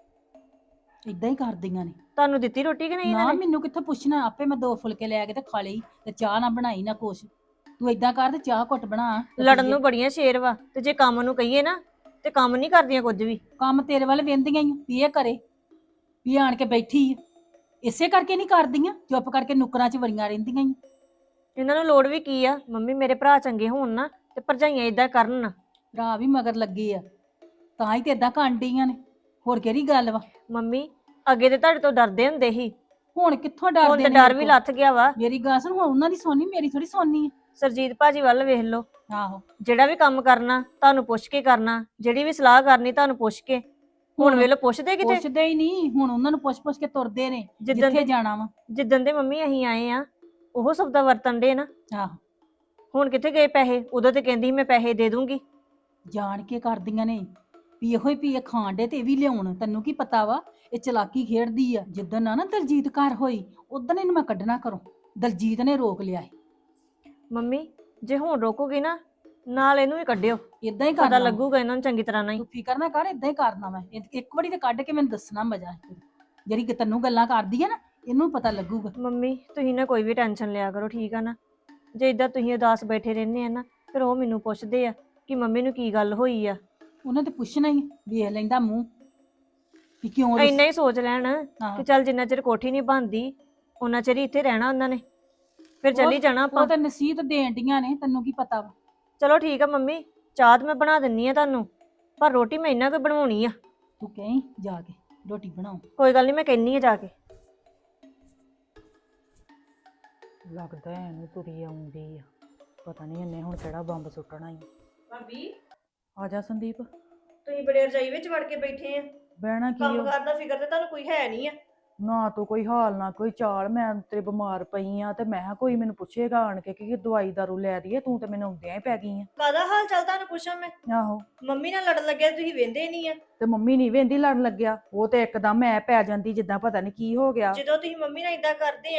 Speaker 1: ਇਦਾਂ ਹੀ ਕਰਦੀਆਂ ਨੇ।
Speaker 5: ਤੁਹਾਨੂੰ ਦਿੱਤੀ ਰੋਟੀ ਕਿ ਨਹੀਂ
Speaker 1: ਨਾ
Speaker 5: ਇਹਨਾਂ ਨੇ?
Speaker 1: ਮੈਨੂੰ ਕਿੱਥੋਂ ਪੁੱਛਣਾ, ਆਪੇ ਮੈਂ 2 ਫੁਲਕੇ ਲੈ ਕੇ ਤੇ ਖਾ ਲਈ, ਤੇ ਚਾਹ ਨਾ ਬਣਾਈ ਨਾ ਕੁਛ। ਤੂੰ ਏਦਾਂ ਕਰ ਤੇ ਚਾਹ ਘੁੱਟ ਬਣਾ ਤੇ
Speaker 5: ਲੜਨ
Speaker 1: ਪੀਈਏ।
Speaker 5: ਨੂੰ ਬੜੀਆਂ ਸ਼ੇਰ ਵਾ, ਤੇ ਜੇ ਕੰਮ ਨੂੰ ਕਹੀਏ ਨਾ ਤੇ ਕੰਮ ਨਹੀਂ ਕਰਦੀਆਂ ਕੁਝ ਵੀ।
Speaker 1: ਕੰਮ ਤੇਰੇ ਵੱਲ ਵੇਂਦੀਆਂ ਹੀ ਵੀ ਇਹ ਕਰੇ, ਵੀ ਆਣ ਕੇ ਬੈਠੀ ਆ। ਇਸੇ ਕਰਕੇ ਨਹੀਂ ਕਰਦੀਆਂ, ਚੁੱਪ ਕਰਕੇ ਨੁਕਰਾਂ 'ਚ ਵੜੀਆਂ ਰਹਿੰਦੀਆਂ ਹੀ।
Speaker 5: ਇਹਨਾਂ ਨੂੰ ਲੋੜ ਵੀ ਕੀ ਆ? ਮੰਮੀ ਮੇਰੇ ਭਰਾ ਚੰਗੇ ਹੋਣ ਨਾ ਤੇ ਭਰਜਾਈਆਂ ਇਦਾਂ ਕਰਨ।
Speaker 1: ਭਰਾ ਵੀ ਮਗਰ ਲੱਗੇ ਆ, ਤਾਂ ਹੀ ਤੇ ਏਦਾਂ ਕਾਂਡੀਆਂ ਨੇ। ਹੋਰ ਕਿਹੜੀ ਗੱਲ ਵਾ?
Speaker 5: ਮੰਮੀ ਅੱਗੇ ਤੇ ਤੁਹਾਡੇ ਤੋਂ ਡਰਦੇ ਹੁੰਦੇ ਸੀ,
Speaker 1: ਹੁਣ ਕਿੱਥੋਂ
Speaker 5: ਹੁਣ
Speaker 1: ਡਰਦੇ
Speaker 5: ਤੇ
Speaker 1: ਨੇ
Speaker 5: ਡਰ
Speaker 1: ਮੇਰੇ
Speaker 5: ਵੀ
Speaker 1: ਕੋਲ?
Speaker 5: ਲੱਥ ਗਿਆ ਵਾ।
Speaker 1: ਮੇਰੀ ਗੱਲ ਸੁਣ, ਹੁਣ ਉਹਨਾਂ ਦੀ ਸੋਨੀ, ਮੇਰੀ ਥੋੜੀ ਸੋਨੀ ਆ।
Speaker 5: ਸਰਜੀਤ ਭਾਜੀ ਵੱਲ ਵੇਖ ਲਓ,
Speaker 1: ਆਹੋ
Speaker 5: ਜਿਹੜਾ ਵੀ ਕੰਮ ਕਰਨਾ ਤੁਹਾਨੂੰ ਪੁੱਛ ਕੇ ਕਰਨਾ, ਜਿਹੜੀ ਵੀ ਸਲਾਹ ਕਰਨੀ ਤੁਹਾਨੂੰ ਪੁੱਛ ਕੇ। ਹੁਣ ਵੇਲੇ ਪੁੱਛਦੇ ਕਿਤੇ?
Speaker 1: ਪੁੱਛਦੇ ਹੀ ਨਹੀਂ, ਹੁਣ ਉਹਨਾਂ ਨੂੰ ਪੁੱਛ ਕੇ ਤੁਰਦੇ ਨੇ
Speaker 5: ਜਿੱਦਣ
Speaker 1: ਜਿੱਥੇ ਜਾਣਾ ਵਾ।
Speaker 5: ਜਿੱਦਣ ਦੇ ਮੰਮੀ ਅਸੀਂ ਆਏ ਆ ਉਹ ਸਭ ਦਾ ਵਰਤਨ ਦੇ ਨਾ।
Speaker 1: ਆਹੋ
Speaker 5: ਹੁਣ ਕਿੱਥੇ ਗਏ ਪੈਸੇ? ਉਦੋਂ ਤੇ ਕਹਿੰਦੀ ਸੀ ਮੈਂ ਪੈਸੇ ਦੇ ਦੂੰਗੀ।
Speaker 1: ਜਾਣ ਕੇ ਕਰਦੀਆਂ ਨੇ ਵੀ ਇਹੋ ਹੀ ਵੀ ਇਹ ਖਾਣ ਡੇ ਤੇ ਇਹ ਵੀ ਲਿਆਉਣ। ਤੈਨੂੰ ਕੀ ਪਤਾ ਵਾ ਇਹ ਚਲਾਕੀ ਖੇਡਦੀ ਆ। ਜਿੱਦਣ ਨਾ ਦਲਜੀਤ ਘਰ ਹੋਈ, ਉਦਣ ਇਹਨੂੰ ਮੈਂ ਕੱਢਣਾ ਘਰੋਂ। ਦਲਜੀਤ ਨੇ ਰੋਕ ਲਿਆ।
Speaker 5: ਮੰਮੀ ਜੇ ਹੁਣ ਰੋਕੋਗੇ ਨਾ, ਨਾਲ ਇਹਨੂੰ ਵੀ ਕੱਢਿਓ,
Speaker 1: ਇਦਾਂ ਹੀ
Speaker 5: ਪਤਾ
Speaker 1: ਕਰਨਾ
Speaker 5: ਲੱਗੂਗਾ ਇਹਨਾਂ ਨੂੰ ਚੰਗੀ ਤਰ੍ਹਾਂ ਨਹੀਂ।
Speaker 1: ਤੂੰ ਫਿਕਰ ਨਾ ਕਰ, ਇਦਾਂ ਹੀ ਕਰਨਾ ਮੈਂ। ਇੱਕ ਵਾਰੀ ਤੇ ਕੱਢ ਕੇ ਮੈਨੂੰ ਦੱਸਣਾ ਮਜ਼ਾ। ਜਿਹੜੀ ਕਿ ਤੈਨੂੰ ਗੱਲਾਂ ਕਰਦੀ ਆ ਨਾ, ਇਹਨੂੰ ਪਤਾ ਲੱਗੂਗਾ।
Speaker 5: ਮੰਮੀ ਤੁਸੀਂ ਨਾ ਕੋਈ ਵੀ ਟੈਨਸ਼ਨ ਲਿਆ ਕਰੋ, ਠੀਕ ਆ ਨਾ? ਜੇ ਇਦਾਂ ਤੁਸੀਂ ਉਦਾਸ ਬੈਠੇ ਰਹਿੰਦੇ ਆ ਨਾ, ਫਿਰ ਉਹ ਮੈਨੂੰ ਪੁੱਛਦੇ ਆ ਕਿ ਮੰਮੀ ਨੂੰ ਕੀ ਗੱਲ ਹੋਈ ਆ।
Speaker 1: ਉਹਨੇ ਤੇ ਪੁੱਛਣਾ ਹੀ, ਵੇਖ ਲੈਂਦਾ ਮੂੰਹ ਵੀ ਕਿਉਂ
Speaker 5: ਇੰਨਾ ਹੀ ਸੋਚ ਲੈਣ
Speaker 1: ਹਾਂ।
Speaker 5: ਕਿ ਚੱਲ ਜਿੰਨਾ ਚਿਰ ਕੋਠੀ ਨਹੀਂ ਬਣਦੀ ਉਹਨਾਂ ਚਿਰ ਹੀ ਇੱਥੇ ਰਹਿਣਾ ਉਹਨਾਂ ਨੇ, ਫਿਰ ਚੱਲੀ ਜਾਣਾ ਆਪਾਂ।
Speaker 1: ਉਹ ਤਾਂ ਨਸੀਹਤ ਦੇਣ ਡੀਆਂ ਨੇ, ਤੈਨੂੰ ਕੀ ਪਤਾ ਵਾ।
Speaker 5: ਚਲੋ ਠੀਕ ਆ ਮੰਮੀ, ਚਾਹ ਤਾਂ ਮੈਂ ਬਣਾ ਦਿੰਨੀ ਆ ਤੁਹਾਨੂੰ, ਪਰ ਰੋਟੀ ਮੈਂ ਇਹਨਾਂ ਕੋਈ ਬਣਵਾਉਣੀ ਆ।
Speaker 1: ਤੂੰ ਕਹੀਂ ਜਾ ਕੇ ਰੋਟੀ ਬਣਾਓ।
Speaker 5: ਕੋਈ ਗੱਲ ਨਹੀਂ, ਮੈਂ ਕਹਿੰਨੀ ਆ ਜਾ ਕੇ।
Speaker 4: ਲੱਗਦਾ ਇਹਨੂੰ ਤੁਰੀ ਆਉਂਦੀ ਆ, ਪਤਾ ਨਹੀਂ ਇਹਨੇ ਹੁਣ ਕਿਹੜਾ ਬੰਬ ਸੁੱਟਣਾ ਹੀ।
Speaker 5: ਭਾਬੀ
Speaker 4: ਆ ਜਾ ਸੰਦੀਪ।
Speaker 5: ਤੁਸੀਂ ਬੜੇ ਰਜਾਈ ਵਿੱਚ ਵੜ ਕੇ ਬੈਠੇ ਆ,
Speaker 4: ਬਹਿਣਾ ਕੀ
Speaker 5: ਕੰਮ
Speaker 4: ਆ?
Speaker 5: ਕਰਦਾ ਫਿਕਰ ਤੇ ਤੁਹਾਨੂੰ ਕੋਈ ਹੈ ਨਹੀਂ ਆ।
Speaker 4: ਨਾ ਤੂੰ ਕੋਈ ਹਾਲ ਨਾ ਕੋਈ ਚਾਲ। ਮੈਂ ਤੇਰੇ ਬਿਮਾਰ ਪਈ ਆ ਤੇ ਮੈਂ ਕਿਹਾ ਕੋਈ ਮੈਨੂੰ ਪੁੱਛੇਗਾ ਆਣ ਕੇ ਕਿ ਦਵਾਈ ਦਾਰੂ ਲੈ ਦਈਏ, ਤੂੰ ਤੇ ਮੈਨੂੰ ਆਉਂਦਿਆਂ ਹੀ ਪੈ ਗਈ ਆ।
Speaker 5: ਕਾਹਦਾ ਹਾਲ ਚਾਲ ਤੁਹਾਨੂੰ ਪੁੱਛਾਂ ਮੈਂ?
Speaker 4: ਆਹੋ
Speaker 5: ਮੰਮੀ ਨਾਲ ਲੜਨ ਲੱਗਿਆ ਤੁਸੀਂ ਵੇਂਦੇ ਨਹੀਂ ਆ।
Speaker 4: ਤੇ ਮੰਮੀ ਨਹੀਂ ਵੇਂਦੀ ਲੜਨ ਲੱਗਿਆ, ਉਹ ਤੇ ਇੱਕਦਮ ਮੈਂ ਪੈ ਜਾਂਦੀ ਜਿੱਦਾਂ ਪਤਾ ਨਹੀਂ ਕੀ ਹੋ ਗਿਆ।
Speaker 5: ਜਦੋਂ ਤੁਸੀਂ ਮੰਮੀ ਨਾਲ ਇਦਾਂ ਕਰਦੇ ਆ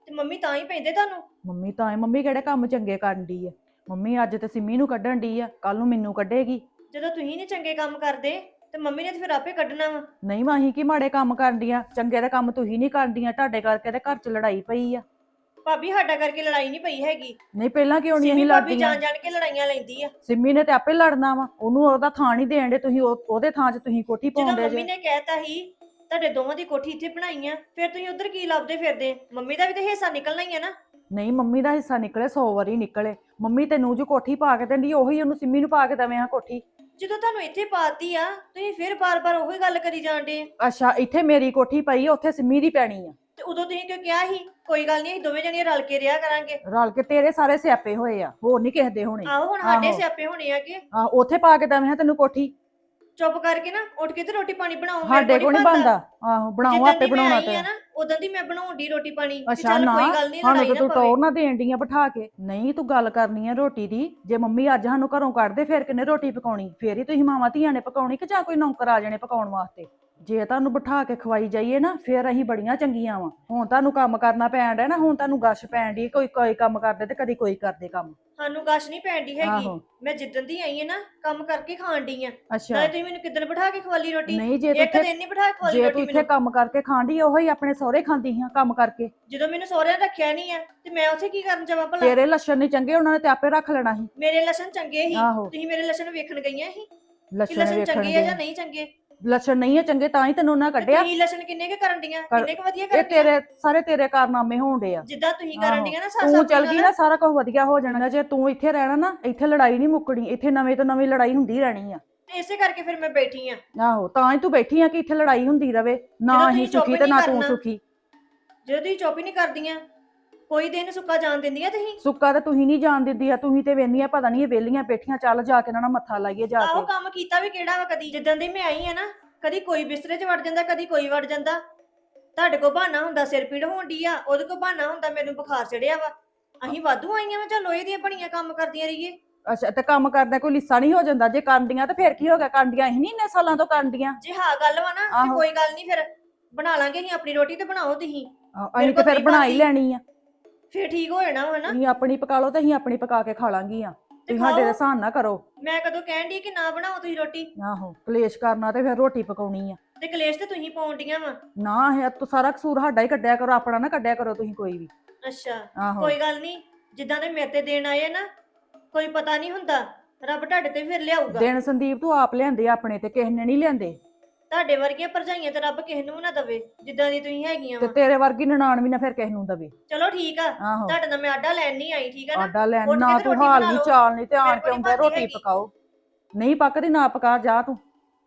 Speaker 5: ਤੇ ਮੰਮੀ ਤਾਂ ਹੀ ਪੈਂਦੇ ਤੁਹਾਨੂੰ।
Speaker 4: ਮੰਮੀ ਤਾਂ ਮੰਮੀ ਕਿਹੜੇ ਕੰਮ ਚੰਗੇ ਕਰਨ ਡਈ ਆ? ਮੰਮੀ ਅੱਜ ਤੇ ਸਿੰਮੀ ਨੂੰ ਕੱਢਣ ਡਈ ਆ, ਕੱਲ ਨੂੰ ਮੈਨੂੰ ਕੱਢੇਗੀ।
Speaker 5: ਜਦੋਂ ਤੁਸੀਂ ਨਹੀਂ ਚੰਗੇ ਕੰਮ ਕਰਦੇ ਤੇ ਮੰਮੀ ਨੇ ਤੇ ਫਿਰ ਆਪੇ ਕੱਢਣਾ ਵਾ।
Speaker 4: ਨਹੀਂ ਮਾਹੀ ਕੀ ਮਾੜੇ ਕੰਮ ਕਰਨ ਡੀਆਂ? ਚੰਗੇ ਦੇ ਕੰਮ ਤੁਸੀਂ ਨਹੀਂ ਕਰਦੀਆਂ, ਤੁਹਾਡੇ ਕਰਕੇ ਤੇ ਘਰ 'ਚ ਲੜਾਈ ਪਈ ਆ।
Speaker 5: ਭਾਬੀ ਸਾਡਾ ਕਰਕੇ ਲੜਾਈ ਨਹੀਂ ਪਈ ਹੈਗੀ।
Speaker 4: ਨਹੀਂ ਪਹਿਲਾਂ ਕਿਉਂ ਨਹੀਂ
Speaker 5: ਸਿੰਮੀ
Speaker 4: ਅਸੀਂ
Speaker 5: ਭਾਬੀ
Speaker 4: ਲੜਦੀਆਂ?
Speaker 5: ਜਾਣ ਜਾਣ ਕੇ ਲੜਾਈਆਂ ਲੈਂਦੀ ਆ।
Speaker 4: ਸਿੰਮੀ ਨੇ ਤੇ ਆਪੇ ਲੜਨਾ ਵਾ, ਉਹਨੂੰ ਉਹਦਾ ਥਾਂ ਨਹੀਂ ਦੇਣ ਦੇ ਤੁਸੀਂ, ਉਹਦੇ ਥਾਂ 'ਚ ਤੁਸੀਂ ਕੋਠੀ
Speaker 5: ਜਦੋਂ
Speaker 4: ਪਾਉਂਦੇ
Speaker 5: ਮੰਮੀ
Speaker 4: ਜੇ।
Speaker 5: ਨੇ ਕਹਿਤਾ ਸੀ ਤੁਹਾਡੇ ਦੋਵਾਂ ਦੀ ਕੋਠੀ ਇੱਥੇ ਬਣਾਈ ਆ, ਫਿਰ ਤੁਸੀਂ ਉਧਰ ਕੀ ਲੱਭਦੇ ਫਿਰਦੇ? ਮੰਮੀ ਦਾ ਵੀ ਤੇ ਹਿੱਸਾ ਨਿਕਲਣਾ ਹੀ ਆ ਨਾ।
Speaker 4: ਨਹੀਂ ਮੰਮੀ ਦਾ ਹਿੱਸਾ ਨਿਕਲੇ 100 ਵਾਰੀ ਨਿਕਲੇ। ਮੰਮੀ ਤੈਨੂੰ ਜੋ ਕੋਠੀ ਪਾ ਕੇ ਦਿੰਦੀ ਉਹੀ ਉਹਨੂੰ ਸਿੰਮੀ ਨੂੰ ਪਾ ਕੇ ਦਵੇਂ ਆ ਕੋਠੀ।
Speaker 5: ਜਦੋਂ ਤੁਹਾਨੂੰ ਇੱਥੇ ਪਾਤੀ ਆ ਤੁਸੀਂ ਫਿਰ ਬਾਰ-ਬਾਰ ਉਹੀ ਗੱਲ ਕਰੀ ਜਾਂਦੇ।
Speaker 4: ਅੱਛਾ ਇੱਥੇ ਮੇਰੀ ਕੋਠੀ ਪਈ ਆ, ਉੱਥੇ ਸਿੰਮੀ ਦੀ ਪੈਣੀ ਆ।
Speaker 5: ਤੇ ਉਦੋਂ ਤੁਸੀਂ ਕਿਉਂ ਕਿਹਾ ਸੀ ਕੋਈ ਗੱਲ ਨਹੀਂ ਅਸੀਂ ਦੋਵੇਂ ਜਣੀਆਂ ਰਲ ਕੇ ਰਿਹਾ ਕਰਾਂਗੇ?
Speaker 4: ਰਲ ਕੇ ਤੇਰੇ ਸਾਰੇ ਸਿਆਪੇ ਹੋਏ ਆ, ਹੋਰ ਨਹੀਂ ਕਿਸੇ ਦੇ ਹੋਣੇ।
Speaker 5: ਆਹੋ ਹੁਣ ਸਾਡੇ
Speaker 4: ਆਹੋ।
Speaker 5: ਸਿਆਪੇ ਹੋਣੇ ਆ ਕਿ
Speaker 4: ਉੱਥੇ ਪਾ ਕੇ ਦਵੇਂ ਆ ਤੈਨੂੰ ਕੋਠੀ।
Speaker 5: ਚੁੱਪ ਕਰਕੇ ਨਾ ਉੱਠ ਕੇ ਤੇ ਰੋਟੀ ਪਾਣੀ ਬਣਾਓ।
Speaker 4: ਸਾਡੇ ਕੋਲ ਨਹੀਂ ਬਣਦਾ। ਆਹੋ ਬਣਾਓ, ਆਪੇ ਬਣਾਉਣਾ ਤੇ।
Speaker 5: ਉਦੋਂ ਦੀ ਮੈਂ ਬਣਾਉਣ ਦੀ ਰੋਟੀ ਪਾਣੀ ਵੀ
Speaker 4: ਅੱਛਾ
Speaker 5: ਚੱਲ
Speaker 4: ਨਾ,
Speaker 5: ਕੋਈ ਗੱਲ ਨਹੀਂ
Speaker 4: ਸਾਨੂੰ
Speaker 5: ਲੜਾਈ
Speaker 4: ਤੇ
Speaker 5: ਨਾ
Speaker 4: ਤੂੰ
Speaker 5: ਪਵੇ।
Speaker 4: ਟੋਰ ਨਾ ਦੇਣ ਡਈ ਆ ਬਿਠਾ ਕੇ। ਨਹੀਂ ਤੂੰ ਗੱਲ ਕਰਨੀ ਆ ਰੋਟੀ ਦੀ। ਜੇ ਮੰਮੀ ਅੱਜ ਸਾਨੂੰ ਘਰੋਂ ਕੱਢਦੇ ਫਿਰ ਕਿੰਨੇ ਰੋਟੀ ਪਕਾਉਣੀ? ਫੇਰ ਹੀ ਤੁਸੀਂ ਮਾਵਾਂ ਧੀਆਂ ਨੇ ਪਕਾਉਣੀ ਕਿ ਜਾਂ ਕੋਈ ਨੌਕਰ ਆ ਜਾਣੇ ਪਕਾਉਣ ਵਾਸਤੇ? ਜੇ ਤੁਹਾਨੂੰ ਬਿਠਾ ਕੇ ਖਵਾਈ ਜਾਈਏ ਨਾ ਫਿਰ ਅਸੀਂ ਬੜੀਆਂ ਚੰਗੀਆਂ ਵਾਂ। ਹੁਣ ਤੁਹਾਨੂੰ ਕੰਮ ਕਰਨਾ ਪੈਣ ਡਿਆ ਨਾ, ਹੁਣ ਤੁਹਾਨੂੰ ਗਸ਼ ਪੈਣ ਡਈ, ਕੋਈ ਕੋਈ ਕੰਮ ਕਰਦੇ ਤੇ ਕਦੀ ਕੋਈ ਕਰਦੇ ਕੰਮ।
Speaker 5: ਸਾਨੂੰ ਗਸ਼ ਨਹੀਂ ਪੈਂਦੀ ਹੈਗੀ।
Speaker 4: ਆਹੋ।
Speaker 5: ਮੈਂ ਜਿੱਦਣ ਦੀ ਆਈ ਆ ਨਾ ਕੰਮ ਕਰਕੇ ਖਾਣ ਡਈ ਆ।
Speaker 4: ਅੱਛਾ
Speaker 5: ਨਾਲੇ ਤੁਸੀਂ ਮੈਨੂੰ ਕਿੱਦਣ ਬਿਠਾ ਕੇ ਖਵਾਲੀ ਰੋਟੀ?
Speaker 4: ਨਹੀਂ ਜੇ ਤੂੰ
Speaker 5: ਇੱਕ
Speaker 4: ਇੱਥੇ
Speaker 5: ਦਿਨ ਨਹੀਂ ਬਿਠਾ ਕੇ ਖਵਾਲੀ
Speaker 4: ਜੇ ਤੂੰ
Speaker 5: ਰੋਟੀ
Speaker 4: ਇੱਥੇ
Speaker 5: ਮੈਨੂੰ।
Speaker 4: ਕੰਮ ਕਰਕੇ ਖਾਂਦੀ ਉਹੋ ਹੀ ਆਪਣੇ ਸਹੁਰੇ ਖਾਂਦੀ ਹਾਂ ਕੰਮ ਕਰਕੇ।
Speaker 5: ਜਦੋਂ ਮੈਨੂੰ ਸਹੁਰਿਆਂ ਨੇ ਰੱਖਿਆ ਨਹੀਂ ਆ ਤੇ ਮੈਂ ਉੱਥੇ ਕੀ ਕਰਨ ਜਾਵਾਂ ਭਲਾ?
Speaker 4: ਤੇਰੇ ਲੱਛਣ ਨਹੀਂ ਚੰਗੇ, ਉਹਨਾਂ ਨੇ ਤੇ ਆਪੇ ਰੱਖ ਲੈਣਾ ਸੀ।
Speaker 5: ਮੇਰੇ ਲੱਛਣ ਚੰਗੇ ਸੀ।
Speaker 4: ਆਹੋ।
Speaker 5: ਤੁਸੀਂ ਮੇਰੇ ਲੱਛਣ ਵੇਖਣ ਗਈਆਂ ਸੀ ਕਿ
Speaker 4: ਲੱਛਣ
Speaker 5: ਲੱਛਣ
Speaker 4: ਵੇਖਣ
Speaker 5: ਚੰਗੇ ਆ ਜਾਂ
Speaker 4: ਦੇ
Speaker 5: ਨਹੀਂ ਚੰਗੇ?
Speaker 4: ਲੱਛਣ ਨਹੀਂ ਹੈ ਚੰਗੇ ਤਾਂ ਹੀ ਤੈਨੂੰ ਉਹਨਾਂ
Speaker 5: ਤੇ
Speaker 4: ਕੱਢਿਆ।
Speaker 5: ਤੁਸੀਂ ਲੱਛਣ ਕਿੰਨੇ ਕੁ ਕਰਨ ਡੀਆਂ?
Speaker 4: ਕਰ-
Speaker 5: ਕਿੰਨੇ ਕੁ ਵਧੀਆ
Speaker 4: ਇਹ
Speaker 5: ਕਰਨ ਡੀਆਂ?
Speaker 4: ਤੇਰੇ ਸਾਰੇ ਤੇਰੇ ਕਾਰਨਾਮੇ ਹੋਣ ਡੇ ਆ।
Speaker 5: ਜਿੱਦਾਂ ਤੁਸੀਂ ਕਰਨ
Speaker 4: ਆਹੋ।
Speaker 5: ਡੀਆਂ ਨਾ
Speaker 4: ਤੂੰ
Speaker 5: ਸਾਸਾ
Speaker 4: ਚੱਲ ਗਈ ਨਾ ਸਾਰਾ ਕੁਝ ਵਧੀਆ ਹੋ ਜਾਣਾ। ਜੇ ਤੂੰ ਇੱਥੇ ਰਹਿਣਾ ਨਾ ਇੱਥੇ ਲੜਾਈ ਨਹੀਂ ਮੁੱਕਣੀ, ਇੱਥੇ ਨਵੇਂ ਤੋਂ ਨਵੀਂ ਲੜਾਈ ਹੁੰਦੀ ਰਹਿਣੀ ਆ।
Speaker 5: ਤੇ ਇਸੇ ਕਰਕੇ ਫਿਰ ਮੈਂ ਬੈਠੀ ਆ।
Speaker 4: ਆਹੋ ਤਾਂ ਹੀ ਤੂੰ ਬੈਠੀ ਆ ਕਿ ਇੱਥੇ ਲੜਾਈ ਹੁੰਦੀ ਰਵੇ, ਨਾ
Speaker 5: ਜਦੋਂ
Speaker 4: ਅਸੀਂ
Speaker 5: ਤੁਸੀਂ ਚੁੱਪ
Speaker 4: ਸੁਖੀ ਤੇ
Speaker 5: ਨਹੀਂ
Speaker 4: ਨਾ ਤੂੰ
Speaker 5: ਕਰਨਾ।
Speaker 4: ਸੁਖੀ।
Speaker 5: ਜਦੋਂ ਤੁਸੀਂ ਚੁੱਪ ਹੀ ਨਹੀਂ ਕਰਦੀਆਂ ਕੋਈ ਦਿਨ ਸੁੱਕਾ ਜਾਣ ਦਿੰਦੀਆਂ ਤੁਸੀਂ?
Speaker 4: ਸੁੱਕਾ ਤੇ ਤੁਸੀਂ ਨਹੀਂ ਜਾਣ ਦਿੰਦੀ ਆ, ਤੁਸੀਂ ਤੇ ਵੇਹਨੀਆਂ ਪਤਾ ਨਹੀਂ ਇਹ ਵੇਲੀਆਂ ਬੈਠੀਆਂ, ਚੱਲ ਜਾ ਕੇ ਇਹਨਾਂ ਨਾਲ ਮੱਥਾ ਲਾਈਏ ਜਾ
Speaker 5: ਆਹੋ
Speaker 4: ਕੇ।
Speaker 5: ਕੰਮ ਕੀਤਾ ਵੀ ਕਿਹੜਾ ਵਾ? ਕਦੀ ਜਿੱਦਾਂ ਦੀ ਮੈਂ ਆਈ ਆ ਨਾ ਕਦੀ ਕੋਈ ਬਿਸਤਰੇ 'ਚ ਵੜ ਜਾਂਦਾ, ਕਦੀ ਕੋਈ ਵੜ ਜਾਂਦਾ। ਤੁਹਾਡੇ ਕੋਲ ਬਹਾਨਾ ਹੁੰਦਾ ਸਿਰ ਪੀੜ ਹੋਣ ਡਈ ਆ, ਉਹਦੇ ਕੋਲ ਬਹਾਨਾ ਹੁੰਦਾ ਮੈਨੂੰ ਬੁਖਾਰ ਚੜਿਆ ਵਾ। ਅਸੀਂ ਵਾਧੂ ਆਈਆਂ ਵਾ ਜਾਂ ਲੋਹੇ ਦੀਆਂ ਬਣੀਆਂ ਕੰਮ ਕਰਦੀਆਂ ਰਹੀਏ?
Speaker 4: ਅੱਛਾ ਤੇ ਕੰਮ ਕਰਦਾ ਕੋਈ ਲਿੱਸਾ ਨਹੀਂ ਹੋ ਜਾਂਦਾ? ਜੇ ਕਰਦੀਆਂ ਤੇ ਫਿਰ ਕੀ ਹੋ ਗਿਆ? ਕਰਦੀਆਂ ਅਸੀਂ ਨਹੀਂ ਇੰਨੇ ਸਾਲਾਂ ਤੋਂ ਕਰਦੀਆਂ।
Speaker 5: ਜੇ ਹਾਂ ਗੱਲ ਵਾ ਨਾ ਤੇ
Speaker 4: ਆਹੋ।
Speaker 5: ਕੋਈ ਗੱਲ ਨਹੀਂ, ਫਿਰ ਬਣਾ ਲਾਂਗੇ ਅਸੀਂ ਆਪਣੀ ਰੋਟੀ ਤੇ ਬਣਾਓ ਤੁਸੀਂ।
Speaker 4: ਅਸੀਂ ਤੇ ਫਿਰ
Speaker 5: ਕੋਲ
Speaker 4: ਬਣਾ ਹੀ
Speaker 5: ਨਹੀਂ
Speaker 4: ਲੈਣੀ ਆ।
Speaker 5: ਫਿਰ ਠੀਕ ਹੋ ਜਾਣਾ ਵਾ ਨਾ।
Speaker 4: ਤੁਸੀਂ ਆਪਣੀ ਪਕਾ ਲਓ ਤੇ ਅਸੀਂ ਆਪਣੀ ਪਕਾ ਕੇ ਖਾ ਲਾਂਗੀਆਂ।
Speaker 5: ਤੇ
Speaker 4: ਤੁਸੀਂ ਸਾਡੇ ਦੇ
Speaker 5: ਖਾਓ।
Speaker 4: ਹਿਸਾਬ ਨਾ ਕਰੋ।
Speaker 5: ਮੈਂ ਕਦੋਂ ਕਹਿਣ ਡਈ ਕਿ ਨਾ ਬਣਾਓ ਤੁਸੀਂ ਰੋਟੀ?
Speaker 4: ਆਹੋ ਕਲੇਸ਼ ਕਰਨਾ ਤੇ ਫਿਰ ਰੋਟੀ ਪਕਾਉਣੀ ਆ।
Speaker 5: ਤੇ ਕਲੇਸ਼ ਤੇ ਤੁਸੀਂ ਪਾਉਣ ਡੀਆਂ ਵਾ।
Speaker 4: ਨਾ ਇਹ ਤੂੰ ਸਾਰਾ ਕਸੂਰ ਸਾਡਾ ਹੀ ਕੱਢਿਆ ਕਰੋ, ਆਪਣਾ ਨਾ ਕੱਢਿਆ ਕਰੋ ਤੁਸੀਂ ਕੋਈ ਵੀ।
Speaker 5: ਅੱਛਾ
Speaker 4: ਆਹੋ
Speaker 5: ਕੋਈ ਗੱਲ ਨਹੀਂ, ਜਿੱਦਾਂ ਦੇ ਮੇਰੇ ਤੇ ਦੇਣ ਆਏ ਆ ਨਾ ਕੋਈ ਪਤਾ ਨਹੀਂ ਹੁੰਦਾ, ਰੱਬ ਤੁਹਾਡੇ ਤੇ ਫਿਰ ਲਿਆਊਗਾ।
Speaker 4: ਦਿਨ ਸੰਦੀਪ ਤੂੰ ਆਪ ਲਿਆਂਦੇ ਆਪਣੇ ਤੇ ਕਿਸੇ ਨੇ ਨਹੀਂ ਲਿਆਂਦੇ।
Speaker 5: ਤੁਹਾਡੇ ਵਰਗੀਆਂ ਭਰਜਾਈਆਂ ਤੇ ਰੱਬ ਕਿਸੇ ਨੂੰ ਵੀ ਨਾ ਦਵੇ ਜਿੱਦਾਂ ਦੀ ਤੁਸੀਂ ਹੈਗੀਆਂ
Speaker 4: ਤੇ
Speaker 5: ਵਾ।
Speaker 4: ਤੇਰੇ ਵਰਗੀ ਨਨਾਣ ਵੀ ਨਾ ਫਿਰ ਕਿਸੇ ਨੂੰ ਦਵੇ।
Speaker 5: ਚਲੋ ਠੀਕ ਆ,
Speaker 4: ਆਹੋ
Speaker 5: ਤੁਹਾਡੇ ਨਾਲ ਮੈਂ ਆਡਾ ਲੈਣ ਨਹੀਂ ਆਈ, ਠੀਕ ਆ ਨਾ?
Speaker 4: ਆਡਾ ਲੈਣ
Speaker 5: ਉੱਠ ਕੇ
Speaker 4: ਨਾ
Speaker 5: ਤੇ
Speaker 4: ਤੂੰ
Speaker 5: ਰੋਟੀ
Speaker 4: ਹਾਲ
Speaker 5: ਬਣਾ
Speaker 4: ਨਹੀਂ
Speaker 5: ਲਓ।
Speaker 4: ਚਾਲ ਨਹੀਂ ਤੇ ਆਣ
Speaker 5: ਮੇਰੇ
Speaker 4: ਕੇ
Speaker 5: ਕੋਲ
Speaker 4: ਆਉਂਦਾ
Speaker 5: ਨਹੀਂ
Speaker 4: ਰੋਟੀ
Speaker 5: ਬਣਦੀ
Speaker 4: ਪਕਾਓ। ਨਹੀਂ ਪੱਕਦੀ ਨਾ ਪਕਾ ਜਾ ਤੂੰ।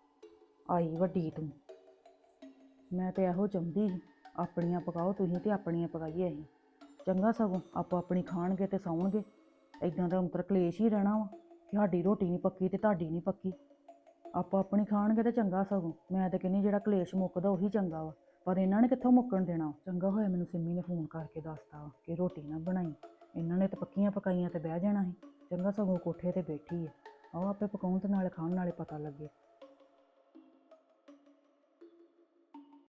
Speaker 4: ਆਈ ਵੱਡੀ ਤੂੰ। ਮੈਂ ਤੇ ਇਹੋ ਚਾਹੁੰਦੀ ਸੀ ਆਪਣੀਆਂ ਪਕਾਓ ਤੁਸੀਂ ਤੇ ਆਪਣੀਆਂ ਪਕਾਈਏ ਅਸੀਂ। ਚੰਗਾ ਸਗੋਂ ਆਪੋ ਆਪਣੀ ਖਾਣਗੇ ਤੇ ਸੌਣਗੇ। ਇਦਾਂ ਦਾ ਅੰਤਰ ਕਲੇਸ਼ ਹੀ ਰਹਿਣਾ ਵਾ ਕਿ ਸਾਡੀ ਰੋਟੀ ਨਹੀਂ ਪੱਕੀ ਤੇ ਤੁਹਾਡੀ ਨਹੀਂ ਪੱਕੀ। ਆਪੋ ਆਪਣੀ ਖਾਣਗੇ ਤੇ ਚੰਗਾ ਸਗੋਂ। ਮੈਂ ਤਾਂ ਕਹਿੰਦੀ ਜਿਹੜਾ ਕਲੇਸ਼ ਮੁੱਕਦਾ ਉਹੀ ਚੰਗਾ ਵਾ, ਪਰ ਇਹਨਾਂ ਨੇ ਕਿੱਥੋਂ ਮੁੱਕਣ ਦੇਣਾ। ਚੰਗਾ ਹੋਇਆ ਮੈਨੂੰ ਸਿੰਮੀ ਨੇ ਫੋਨ ਕਰਕੇ ਦੱਸਤਾ ਵਾ ਕਿ ਰੋਟੀ ਨਾ ਬਣਾਈ। ਇਹਨਾਂ ਨੇ ਤਾਂ ਪੱਕੀਆਂ ਪਕਾਈਆਂ ਤੇ ਬਹਿ ਜਾਣਾ ਸੀ। ਚੰਗਾ ਸਗੋਂ ਕੋਠੇ ਤੇ ਬੈਠੀ ਹੈ, ਆਓ ਆਪੇ ਪਕਾਉਣ ਤੇ ਨਾਲੇ ਖਾਣ ਨਾਲੇ ਪਤਾ ਲੱਗੇ।